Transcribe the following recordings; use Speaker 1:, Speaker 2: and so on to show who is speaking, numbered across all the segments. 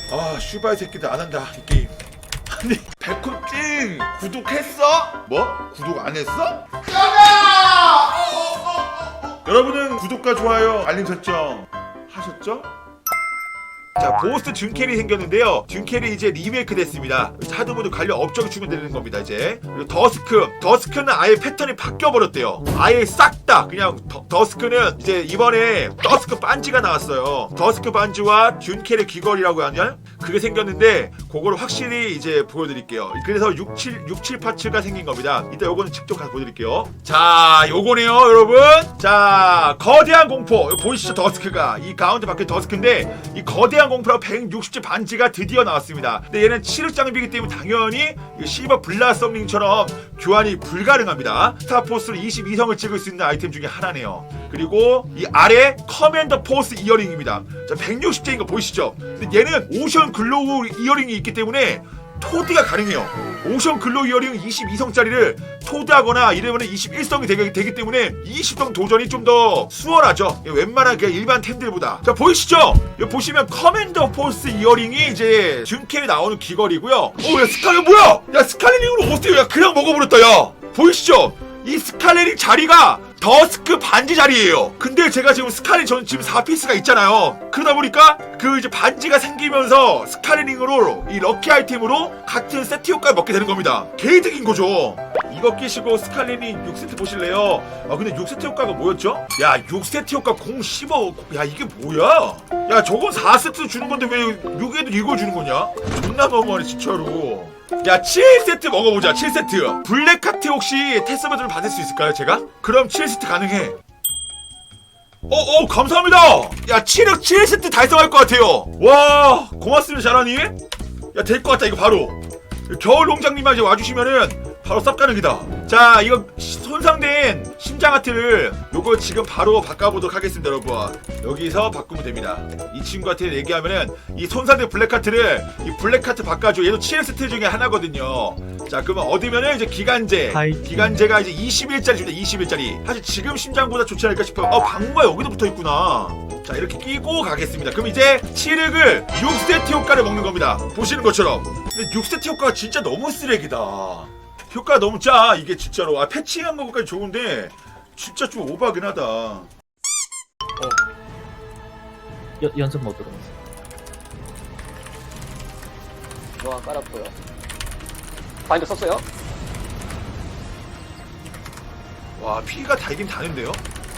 Speaker 1: 아 슈바이 새끼들 안한다 이 게임. 아니 백호찡 구독했어? 뭐? 구독 안 했어? 여러분은 구독과 좋아요 알림 설정 하셨죠? 자 보스 듄캐리 생겼는데요. 듄캐리 이제 리메이크 됐습니다. 하드모드 관련 업적이 추가되는 겁니다 이제. 그리고 더스크는 아예 패턴이 바뀌어버렸대요. 아예 싹 다 그냥 더스크는 이제 이번에 더스크 반지가 나왔어요. 더스크 반지와 듄캐리 귀걸이라고 하냐? 그게 생겼는데 그거를 확실히 이제 보여드릴게요. 그래서 67 파츠가 생긴 겁니다. 이따 요거는 직접 가서 보여드릴게요. 자 요거네요 여러분. 자 거대한 공포 보이시죠? 더스크가 이 가운데 밖에 더스크인데 이 거대한 공포라고 160줄 반지가 드디어 나왔습니다. 근데 얘는 7흑 장비이기 때문에 당연히 시버 블라썸링처럼 교환이 불가능합니다. 스타포스로 22성을 찍을 수 있는 아이템 중에 하나네요. 그리고 이 아래 커맨더 포스 이어링입니다. 자 160개인 거 보이시죠? 근데 얘는 오션 글로우 이어링이 있기 때문에 토드가 가능해요. 오션 글로우 이어링 22성짜리를 토드하거나 이러면 21성이 되기 때문에 20성 도전이 좀 더 수월하죠. 웬만한 그냥 일반 템들보다. 자 보이시죠? 여기 보시면 커맨더 포스 이어링이 이제 듄캐에 나오는 귀걸이고요. 야 스칼렛 뭐야? 야 스칼렛링으로 어때요? 야 그냥 먹어버렸다 야. 보이시죠? 이 스칼렛링 자리가 더스크 반지 자리예요. 근데 제가 지금 저는 지금 4피스가 있잖아요. 그러다 보니까 그 이제 반지가 생기면서 스칼렛링으로 이 럭키 아이템으로 같은 세트 효과를 먹게 되는 겁니다. 개이득인 거죠. 이거 끼시고 스칼렛링 6세트 보실래요? 아 근데 6세트 효과가 뭐였죠? 야 6세트 효과 015. 야 이게 뭐야? 야 저건 4세트 주는 건데 왜 6에도 이걸 주는 거냐? 존나 너무하네 진짜로. 야 7세트 먹어보자. 7세트 블랙카트 혹시 테스트버전을 받을 수 있을까요 제가? 그럼 7세트 가능해. 감사합니다. 야 7억 7세트 달성할 것 같아요. 와 고맙습니다 잘하니. 야 될 것 같다 이거 바로. 겨울농장님만 이제 와주시면은 바로 쌉 가능이다. 자 이거 손상된 심장 하트를 요거 지금 바로 바꿔보도록 하겠습니다 여러분. 여기서 바꾸면 됩니다. 이 친구한테 얘기하면은 이 손상된 블랙카트를 이 블랙카트 바꿔줘. 얘도 7세트 중에 하나거든요. 자 그러면 얻으면은 이제 기간제가 이제 20일짜리 줍니다. 20일짜리. 사실 지금 심장보다 좋지 않을까 싶어요. 방구가 여기도 붙어있구나. 자 이렇게 끼고 가겠습니다. 그럼 이제 7흑을 6세트 효과를 먹는 겁니다. 보시는 것처럼. 근데 6세트 효과가 진짜 너무 쓰레기다. 효과가 너무 짜 이게 진짜로. 패칭한 거까지 좋은데 진짜 좀 오버하긴 하다.
Speaker 2: 연습 모드로.
Speaker 3: 중앙 깔았고요. 바인더 썼어요?
Speaker 1: 와 피가 달긴 다는데요?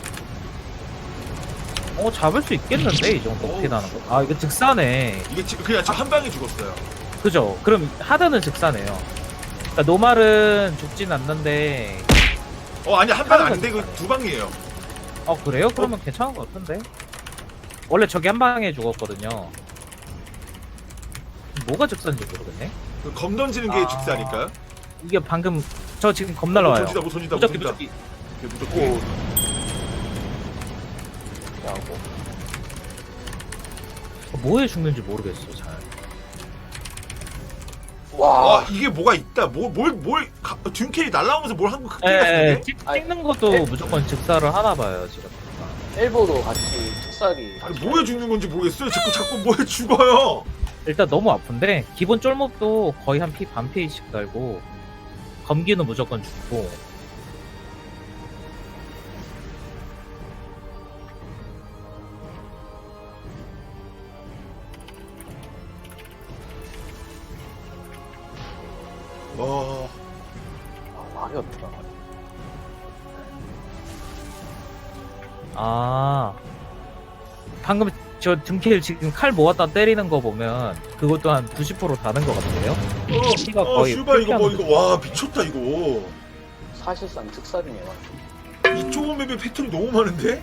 Speaker 2: 잡을 수 있겠는데 이 정도 피 나는 거. 아 이거 즉사네.
Speaker 1: 이게 그냥 한 방에 죽었어요.
Speaker 2: 그죠? 그럼 하드는 즉사네요. 그러니까 노말은 죽진 않는데.
Speaker 1: 아니 한 방 아닌데 그 두 방이에요.
Speaker 2: 그래요? 그러면 괜찮은 것 같은데. 원래 저기 한 방에 죽었거든요. 뭐가 즉사인지 모르겠네.
Speaker 1: 그 검 던지는 게 직사니까요.
Speaker 2: 이게 방금 저 지금 겁 날라와요.
Speaker 1: 던진다.
Speaker 2: 무적기.
Speaker 1: 무적기.
Speaker 3: 야고.
Speaker 2: 뭐에 죽는지 모르겠어 잘.
Speaker 3: 와.
Speaker 1: 이게 뭐가 있다. 듄캐리 날라오면서 뭘 한 거 크게 같은데?
Speaker 2: 찍는 것도 무조건 즉사를 하나 봐요 지금.
Speaker 3: 엘보도 같이 특사리.
Speaker 1: 아니 뭐에 죽는 건지 모르겠어요. 자꾸 뭐에 죽어요.
Speaker 2: 일단 너무 아픈데 기본 쫄목도 거의 한 피 반 피씩 달고 검기는 무조건 죽고.
Speaker 3: 말이 없다.
Speaker 2: 방금 저 등킬 지금 칼 모았다 때리는 거 보면 그것도 한 90% 다는 것 같은데요? 피가 거의
Speaker 1: 슈발 이거
Speaker 2: 풀피하는
Speaker 1: 와 미쳤다 이거.
Speaker 3: 사실상 특사리네요.
Speaker 1: 이 좁은 맵에 패턴이 너무 많은데?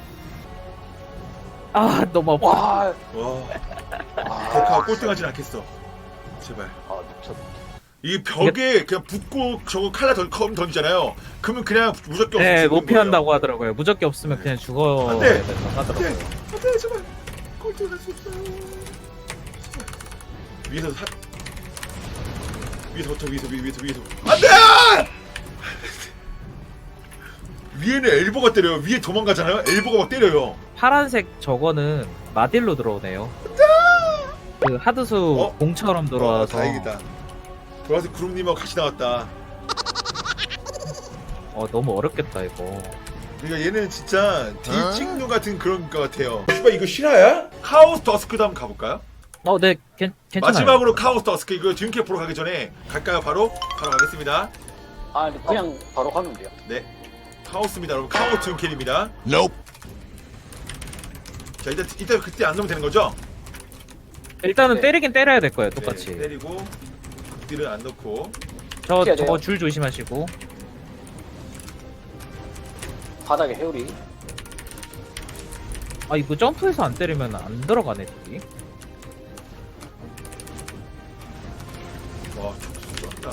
Speaker 2: 너무 아파.
Speaker 3: 와.
Speaker 1: 데카가 꼴등하진 않겠어. 제발.
Speaker 3: 미쳤다.
Speaker 1: 이 벽에 그냥 붙고 저거 칼라 던지잖아요. 그러면 그냥 무적기 없으면
Speaker 2: 네, 못
Speaker 1: 죽는
Speaker 2: 피한다고
Speaker 1: 거예요.
Speaker 2: 하더라고요. 무적기 없으면 그냥 죽어야
Speaker 1: 안 돼.
Speaker 2: 된다고 하더라고요.
Speaker 1: 안돼 제발 꼴등할 수 없어요. 제발. 위에서 안돼. 위에는 엘보가 때려요. 위에 도망가잖아요. 엘보가 막 때려요.
Speaker 2: 파란색 저거는 마딜로 들어오네요. 그 하드수
Speaker 1: 어?
Speaker 2: 공처럼 들어와서
Speaker 1: 다행이다. 돌아서 구름님하고 같이 나왔다.
Speaker 2: 너무 어렵겠다 이거.
Speaker 1: 그러니까 얘는 진짜 디찍누 같은 그런 것 같아요. 씨발 이거 실화야? 카오스 더스크도 한번 가볼까요?
Speaker 2: 네, 괜찮아요.
Speaker 1: 마지막으로 카오스 더스크 이거 듀케 보러 가기 전에 갈까요? 바로 가겠습니다.
Speaker 3: 아 근데 그냥 바로 가면 돼요.
Speaker 1: 네, 카오스입니다, 여러분. 카오스 듀케입니다. 자, 이따 그때 안 넣으면 되는 거죠?
Speaker 2: 일단은
Speaker 3: 네.
Speaker 2: 때리긴 때려야 될 거예요, 똑같이.
Speaker 1: 네, 때리고 극딜은 안 넣고.
Speaker 2: 저거
Speaker 3: 피해야 돼요.
Speaker 2: 줄 조심하시고.
Speaker 3: 바닥에 회오리.
Speaker 2: 이거 점프해서 안 때리면 안 들어가네, 저기.
Speaker 1: 와, 촉수 쩐다.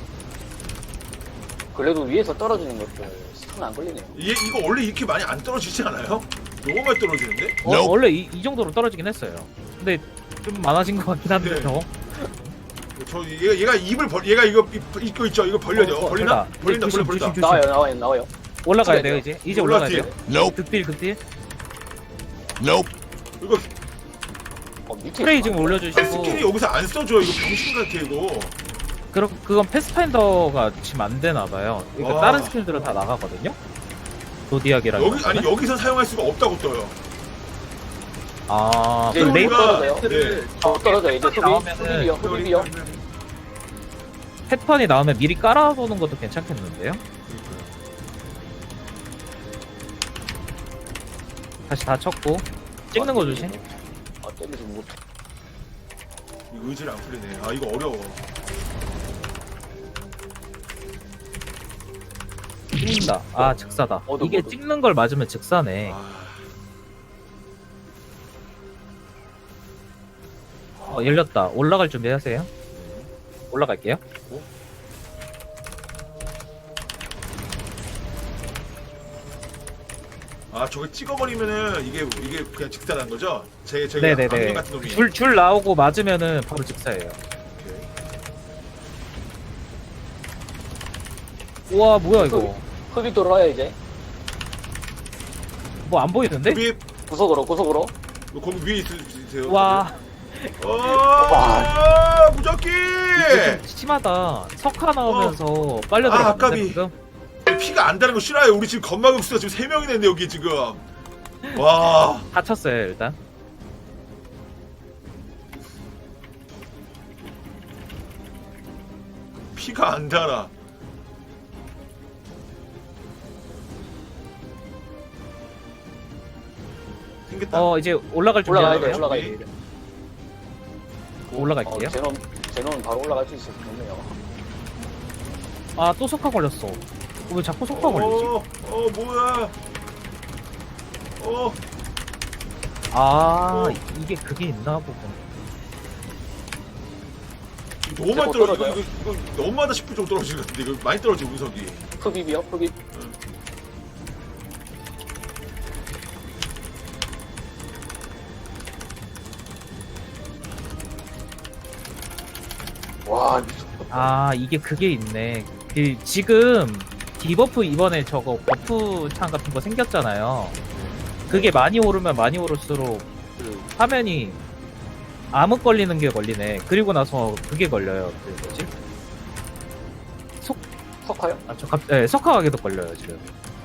Speaker 3: 그래도 위에서 떨어지는 것들 손 안 걸리네요.
Speaker 1: 이거 원래 이렇게 많이 안 떨어지지 않아요? 너무 많이 떨어지는데?
Speaker 2: 원래 이 정도로 떨어지긴 했어요. 근데 좀 많아진 것 같긴 한데,
Speaker 1: 네.
Speaker 2: 저.
Speaker 1: 얘가 입을 얘가 이거 있죠? 이거 벌려져. 벌리나? 벌린다.
Speaker 2: 조심,
Speaker 1: 벌린다.
Speaker 2: 조심.
Speaker 3: 나와요.
Speaker 2: 올라가야
Speaker 3: 찍어야
Speaker 2: 돼요,
Speaker 3: 돼요.
Speaker 2: 이제 올라가야 돼요.
Speaker 1: 올라갔지?
Speaker 2: 극딜.
Speaker 1: 이거
Speaker 3: 밑에
Speaker 2: 스프레이
Speaker 3: 있어.
Speaker 2: 지금 올려주시고.
Speaker 1: 스킬이 여기서 안 써줘. 이거 병신 같아 이거.
Speaker 2: 그건 패스파인더가 지금 안 되나봐요. 그러니까
Speaker 1: 와.
Speaker 2: 다른 스킬들은 다 나가거든요? 도디악이랑.
Speaker 1: 여기서 사용할 수가 없다고 떠요.
Speaker 3: 이제
Speaker 2: 그럼
Speaker 3: 레이
Speaker 2: 레이더
Speaker 3: 떨어져요.
Speaker 1: 네.
Speaker 3: 떨어져 이제
Speaker 2: 나오면은
Speaker 3: 소비비요.
Speaker 2: 패턴이 나오면 미리 깔아보는 것도 괜찮겠는데요? 다시 다 쳤고 찍는 거 조심.
Speaker 3: 때리지 못해.
Speaker 1: 이거 의지를 안 풀리네. 아 이거 어려워.
Speaker 2: 찍는다. 즉사다. 이게
Speaker 3: 어둠.
Speaker 2: 찍는 걸 맞으면 즉사네. 열렸다. 올라갈 준비하세요. 올라갈게요.
Speaker 1: 저거 찍어버리면은 이게 그냥 직사라는 거죠? 제가
Speaker 2: 네네네.
Speaker 1: 악령 같은 놈이.
Speaker 2: 줄 나오고 맞으면은 바로 즉사예요.
Speaker 1: 오케이.
Speaker 2: 우와 뭐야 이거.
Speaker 3: 흡입 돌아와요 이제.
Speaker 2: 뭐 안 보이는데?
Speaker 3: 구석으로.
Speaker 1: 거기 위에 있으세요.
Speaker 2: 와
Speaker 1: 무적기.
Speaker 2: 이게 좀 심하다. 석화 나오면서 빨려 들어갔는데
Speaker 1: 아깝이.
Speaker 2: 지금.
Speaker 1: 피가 안 다는 거 싫어요. 우리 지금 건마금수가 지금 3명이나 있는데 여기 지금. 와.
Speaker 2: 다 쳤어요 일단.
Speaker 1: 피가 안 달아. 생겼다.
Speaker 2: 이제 올라갈
Speaker 3: 올라가야
Speaker 2: 준비하세요.
Speaker 3: 돼. 올라가야 돼.
Speaker 2: 올라갈게요.
Speaker 3: 제논 바로 올라갈 수 있어서 좋네요.
Speaker 2: 또 석화 걸렸어. 왜 자꾸 석화 걸리지?
Speaker 1: 뭐야.
Speaker 2: 이게 그게 있나 보군.
Speaker 1: 너무 많이
Speaker 3: 이거
Speaker 1: 떨어져.
Speaker 3: 떨어져요?
Speaker 1: 이거 너무하다 싶을 정도 떨어지는 것 같은데. 이거 많이 떨어져 운석이.
Speaker 3: 흡입이요. 흡입. 와 미쳤다.
Speaker 2: 이게 그게 있네. 지금 디버프 이번에 저거 버프 창 같은 거 생겼잖아요. 그게 많이 오르면 많이 오를수록 그 화면이 암흑 걸리는 게 걸리네. 그리고 나서 그게 걸려요. 그 뭐지?
Speaker 3: 석화요?
Speaker 2: 석화가 계속 걸려요 지금.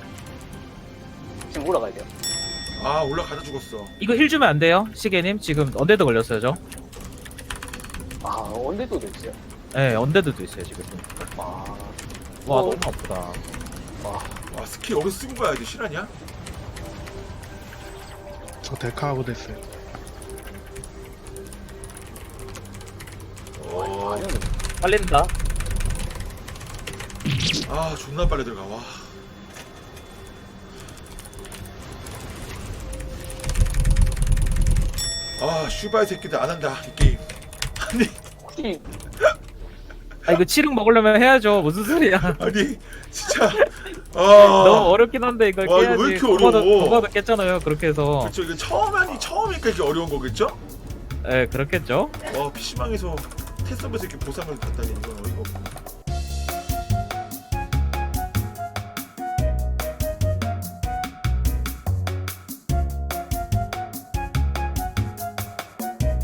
Speaker 3: 지금 올라가야 돼요.
Speaker 1: 올라가다 죽었어.
Speaker 2: 이거 힐 주면 안 돼요, 시계님. 지금 언데드 걸렸어요, 저.
Speaker 3: 언제도 됐어요?
Speaker 2: 네, 언데드도 있어요 지금.
Speaker 3: 와
Speaker 2: 너무 아프다.
Speaker 1: 와 스킬 여기서 쓰고 가야 돼. 실화냐?
Speaker 4: 저 데카하고 됐어요.
Speaker 2: 빨린다.
Speaker 1: 존나 빨리 들어가. 슈바이 새끼들 안 한다 이 게임. 아니
Speaker 3: 혹시
Speaker 2: 이거 치륵 먹으려면 해야죠. 무슨 소리야.
Speaker 1: 아니 진짜.
Speaker 2: 너무 어렵긴 한데 이걸
Speaker 1: 와, 이거
Speaker 2: 깨야지.
Speaker 1: 왜 이렇게 어려워?
Speaker 2: 도마도 깼잖아요. 그렇게 해서.
Speaker 1: 그렇죠. 이게 처음이니까 이렇게 어려운 거겠죠?
Speaker 2: 네, 그렇겠죠.
Speaker 1: PC방에서 테스트하면서 이렇게 보상을 받다니 이건 어이가 없네.